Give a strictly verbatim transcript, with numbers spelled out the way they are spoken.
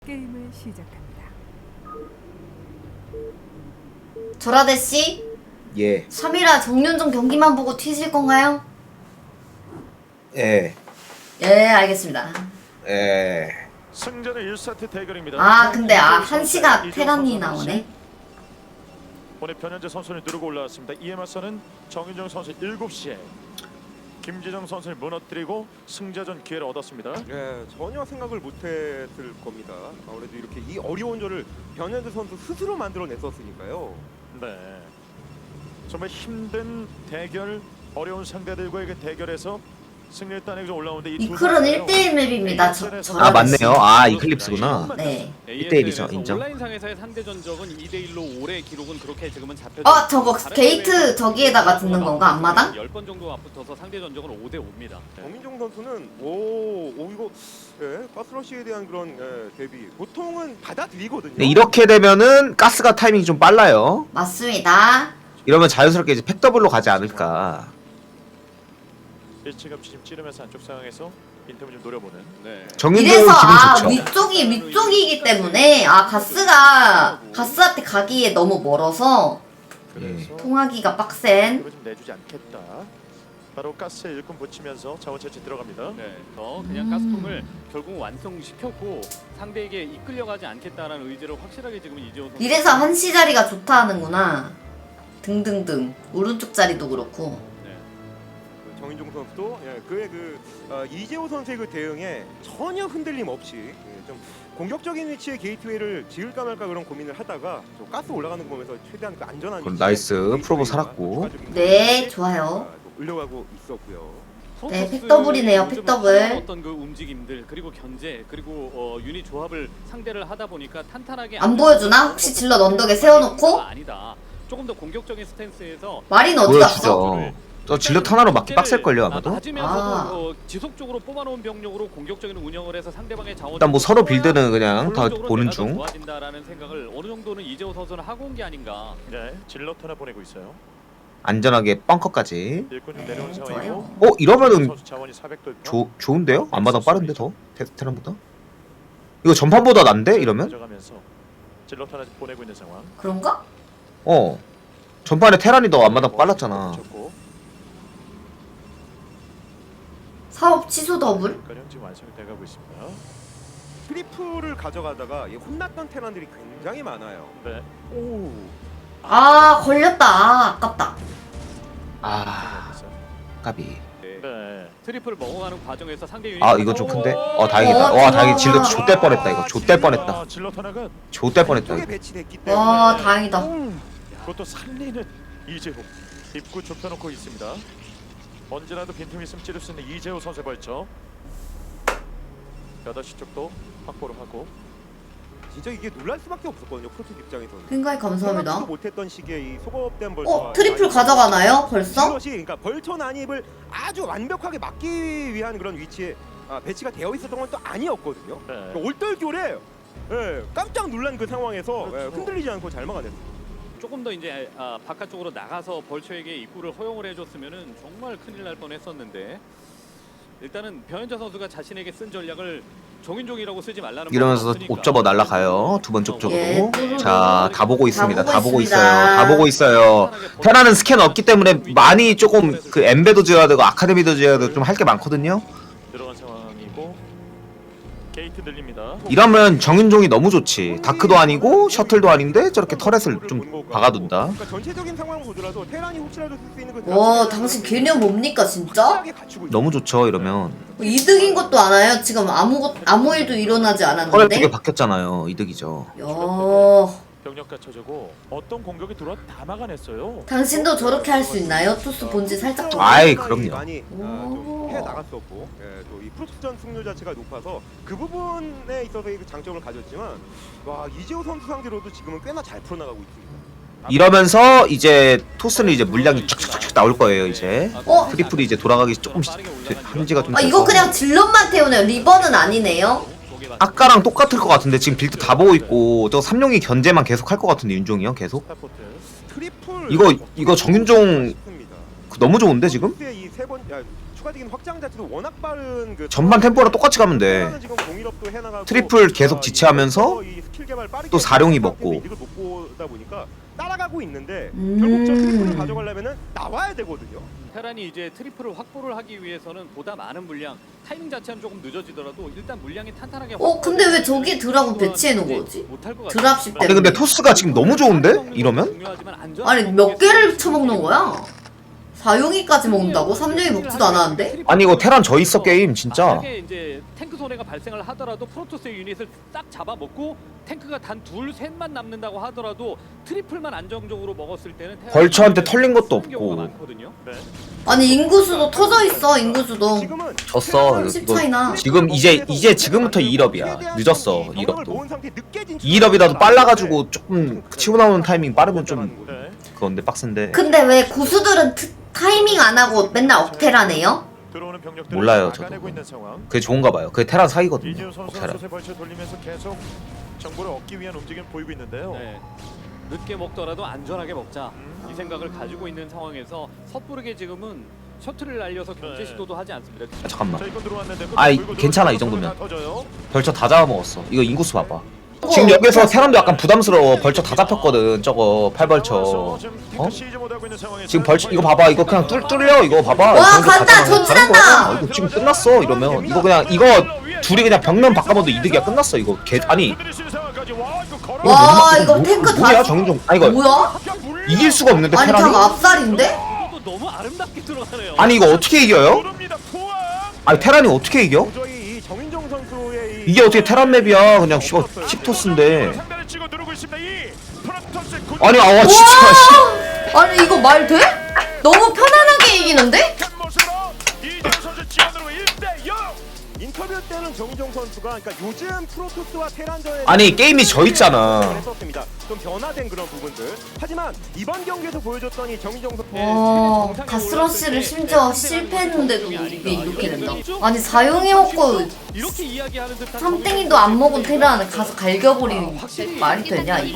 게임을 시작합니다. 조라데 씨, 예. 삼 일화 정윤종 경기만 보고 튀실 건가요? 예. 예, 알겠습니다. 예. 승자는 일 세트 대결입니다. 아, 근데 아, 한시가 테란이 나오네. 오늘 변현재 선수를 누르고 올라왔습니다. 이에 맞서는 정윤정 선수 일곱 시에 김지정 선수를 무너뜨리고 승자전 기회를 얻었습니다. 네, 전혀 생각을 못했을 겁니다. 아무래도 이렇게 이 어려운 조를 변현재 선수 스스로 만들어냈었으니까요. 네, 정말 힘든 대결, 어려운 상대들과의 그 대결에서 승리를 따내고 올라오는데 이 이클은 일 대일 맵입니다. 저, 아 저라데 맞네요. 씨. 아 이클립스구나. 네. 일 대 일이죠, 인정. 온라인상에서의 상대 전적은 이 대 일로 올해 기록은 그렇게 지금은 잡혀. 어, 저거 게이트 저기에다가 듣는 건가? 앞마당? 열 번 정도 앞붙어서 상대 전적은 오 대 오입니다. 정민종 선수는 오, 오 이거 예, 가스러시에 대한 그런 예, 대비 보통은 받아들이거든요. 네, 이렇게 되면은 가스가 타이밍이 좀 빨라요. 맞습니다. 이러면 자연스럽게 이제 팩더블로 가지 않을까. 일찌감치 지금 찌르면서 안쪽 상황에서 빈틈을 좀 노려보는. 네. 정윤종 이래서 기분 아 좋죠. 위쪽이 위쪽이기 때문에 아 가스가 가스한테 가기에 너무 멀어서 그래서 통하기가 빡센. 힘을 좀 내주지 않겠다. 바로 가스에 일꾼 붙이면서 자원 채취 들어갑니다. 네. 더 그냥 음. 가스통을 결국 완성시켰고 상대에게 이끌려가지 않겠다라는 의지를 확실하게 지금 이재호 선수. 이래서 한시 자리가 좋다 하는구나. 등등등 오른쪽 자리도 그렇고. 네. 그 정인종 선수도 예, 그의 그 어, 이재호 선수의 그 대응에 전혀 흔들림 없이 예, 좀 공격적인 위치에 게이트웨이를 지을까 말까 그런 고민을 하다가 저 가스 올라가는 거 보면서 최대한 그 안전한 그럼 위치에 나이스. 게이트웨이와 프로보 살았고. 추가적인 네, 공격이, 좋아요. 아, 또 흘려가고 있었고요. 네, 픽더블이네요, 픽더블. 어떤 그 움직임들 그리고 견제 그리고 어, 유닛 조합을 상대를 하다 보니까 탄탄하게 안 보여주나? 혹시 질럿 언덕에 세워놓고? 아니다. 조금 더 공격적인 스탠스에서 마린 어디 갔어? 보여주죠. 저 질럿 하나로 막기 빡셀걸요 아마도. 맞으면서도 아. 어, 지속적으로 뽑아놓은 병력으로 공격적인 운영을 해서 상대방의 자원 일단 뭐 서로 빌드는 그냥 다 본론적으로 보는 내가 더 중. 좋아진다라는 생각을 어느 정도는 이재호 선수는 하고 온 게 아닌가. 네, 질럿 하나 보내고 있어요. 안전하게 벙커까지. 일꾼 좀 네, 내려온 좋아요. 상황이고. 어 이러면은 선수 자원이 사백 돌파. 조, 좋은데요? 안마당 빠른데 더? 테- 테란보다? 이거 전판보다 난데 이러면? 가져가면서 질럿 하나 보내고 있는 상황. 그런가? 어. 전판에 테란이 더 안마당 빨랐잖아. 붙였고, 사업 취소 더블? 가령 지금 완성이 돼가고 있습니다. 트리플을 가져가다가 이 혼났던 테란들이 굉장히 많아요. 네. 오, 아 걸렸다. 아 아깝다. 아 까비. 네. 트리플 먹어가는 과정에서 상대 유닛. 아 이거 좀 큰데? 어 다행이다. 어, 와 다행히 좋아. 질럿 좆될 뻔했다 이거. 좆될 뻔했다. 아, 질럿 하나가 좆될 뻔했다 쪽에 이거. 배치됐기 때문에 와 다행이다. 그것도 살리는 이재호. 입구 좁혀놓고 있습니다. 언제라도 빈틈 있으면 찌를 수 있는 이재호 선수의 벌쳐. 여덟 시 쪽도 확보를 하고. 진짜 이게 놀랄 수밖에 없었거든요. 프로토스 입장에서는. 핑가이 감사합니다. 생각지도 못했던 시기에 이 소급된 벌처. 어 트리플 가져가나요? 벌써? 이것이 그러니까 벌처 난입을 아주 완벽하게 막기 위한 그런 위치에 아, 배치가 되어 있었던 건 또 아니었거든요. 네. 그러니까 올떨결에 예, 깜짝 놀란 그 상황에서 그렇죠. 예, 흔들리지 않고 잘 막아냈어요. 조금 더 이제 아, 바깥쪽으로 나가서 벌처에게 입구를 허용을 해줬으면은 정말 큰일 날 뻔했었는데 일단은 변현재 선수가 자신에게 쓴 전략을 정인종이라고 쓰지 말라는. 이러면서 옵저버 날라가요. 두 번 쪽쪽으로. 예. 자 다 보고 있습니다. 다 다 보고 보고 있습니다. 있어요. 다 보고 있어요. 테라는 스캔 없기 때문에 많이 조금 그 엠베도 지어야 되고 아카데미도 지어야 되고 좀 할 게 많거든요. 들어간 상황이고 게이트 들립니다. 이러면 정윤종이 너무 좋지. 다크도 아니고 셔틀도 아닌데 저렇게 터렛을 좀 박아둔다. 그러니까 전체적인 상황을 보더라도 테란이 혹시라도 쓸 수 있는 그 와 당신 개념 뭡니까 진짜? 확실하게 갖추고 있어요. 너무 좋죠 이러면. 뭐 이득인 것도 알아요? 지금 아무 아무 일도 일어나지 터렛 않았는데. 두 개 바뀌었잖아요. 이득이죠. 야 병력 갖춰주고 어떤 공격이 들어와 다 막아냈어요. 당신도 저렇게 할 수 있나요? 토스 본지 살짝 더. 아이, 그럼요. 많이 아, 좀해 나갔었고 예, 또 이 프로토스전 승률 자체가 높아서 그 부분에 있어서의 그 장점을 가졌지만 와 이재호 선수 상대로도 지금은 꽤나 잘 풀어나가고 있습니다. 이러면서 이제 토스는 이제 물량이 쫙쫙쫙 나올 거예요 이제. 어? 트리플이 이제 돌아가기 조금씩 한지가 좀 아 이거 돼서. 그냥 질럿만 태우네요. 리버는 아니네요. 아까랑 똑같을 것 같은데 지금 빌드 다 보고 있고 저 삼룡이 견제만 계속 할 것 같은데 윤종이 형 계속. 스타포트. 트리플 이거- 이거 정윤종 싶습니다. 그 너무 좋은데 지금? 이세 번, 야, 추가적인 확장 자체도 워낙 빠른 그 전반 템포랑 똑같이 가면 돼. 테라는 지금 공일업도 해나가고, 트리플 계속 어, 지체하면서 이 스킬 개발 빠르게 또 사룡이 하는 먹고. 이득을 못 보다 보니까 따라가고 있는데 음. 결국 저 트리플을 가져가려면은 나와야 되거든요. 테란이 이제 트리플을 확보를 하기 위해서는 보다 많은 물량, 타이밍 자체는 조금 늦어지더라도 일단 물량이 탄탄하게. 어, 근데 왜 저기 드랍은 배치해 놓은 거지? 못할 것 같아요. 드랍십 아니 때문에. 근데 토스가 지금 너무 좋은데? 이러면? 중요하지만 안전한 아니 몇 개를 쳐먹는 거야? 사용이까지 먹는다고? 삼룡이 먹지도 않았는데? 아니 이거 테란 져 있어 게임 진짜. 만약에 이제 탱크 손해가 발생을 하더라도 프로토스의 유닛을 딱 잡아먹고 탱크가 단 둘 셋만 남는다고 하더라도 트리플만 안정적으로 먹었을 때는 테란이 벌처한테 털린 것도 쓰는 경우가 없고. 많거든요. 네. 아니 인구수도 터져 있어 인구수도. 지금은 졌어. 십 이거 차이나. 지금 이제 이제 지금부터 이 일업이야. 늦었어 이 일업도. 모은 상태 늦게 진출을 이 일업이라도 하는 빨라가지고 조금 치고 나오는 타이밍 빠르면 좀 네. 그건데 빡센데. 근데 왜 고수들은 트, 타이밍 안 하고 맨날 억테라네요? 들어오는 병력들을 몰라요, 막아내고 저도. 있는 상황. 그게 좋은가 봐요. 그게 테란 사기거든요. 이재호 선수 테란. 수세 벌쳐 돌리면서 계속 정보를 얻기 위한 움직임 보이고 있는데요. 네. 늦게 먹더라도 안전하게 먹자 음. 이 생각을 가지고 있는 상황에서 섣부르게 지금은 셔틀을 날려서 경제 네. 시도도 하지 않습니다. 아, 잠깐만. 자, 이건 들어왔는데 아이, 물고 괜찮아, 이 들어오는 정도면. 다 터져요. 벌처 다 잡아먹었어. 이거 인구수 봐봐. 어, 지금 여기서 테란도 약간 부담스러워. 벌처 다 잡혔거든. 저거 팔벌처. 지금 어? 시즈 못하고 있는 상황에서 지금 벌처 이거 봐봐. 이거 그냥 뚫 뚫려. 이거 봐봐. 와, 이 정도 간다! 다 잡아먹으면 전진한다! 다른 거야. 이거 지금 끝났어. 이러면 이거 그냥 이거 둘이 그냥 벽면 바꿔봐도 이득이야. 끝났어 이거. 개 아니 와 이거 탱크 뭐야 다. 정종. 아 이거 뭐야? 이길 수가 없는데 아니 테란이. 참 압살인데? 이것도 너무 아름답게 들어가네요. 아니 이거 어떻게 이겨요? 아니 테란이 어떻게 이겨? 도저히 이 정인종 선수의 이 이게 어떻게 테란 맵이야? 그냥 씨발 칩토스인데. 아니 아와 진짜 씨. 와! 아니 이거 말 돼? 너무 편안하게 이기는데? 인터뷰 때는 정인종 선수가 그러니까 요즘 프로토스와 테란전에 아니, 게임이 져 있잖아. 했었습니다. 좀 변화된 그런 부분들. 하지만 이번 경기에서 보여줬던 이 정인종 선수 와 가스러시를 심지어 실패했는데도 이게 이렇게 된다. 아니 사용이 먹고 이렇게 이야기하는 듯한 삼땡이도 안 먹은 테란 가서 갈겨버리는 게 말이 되냐 이거?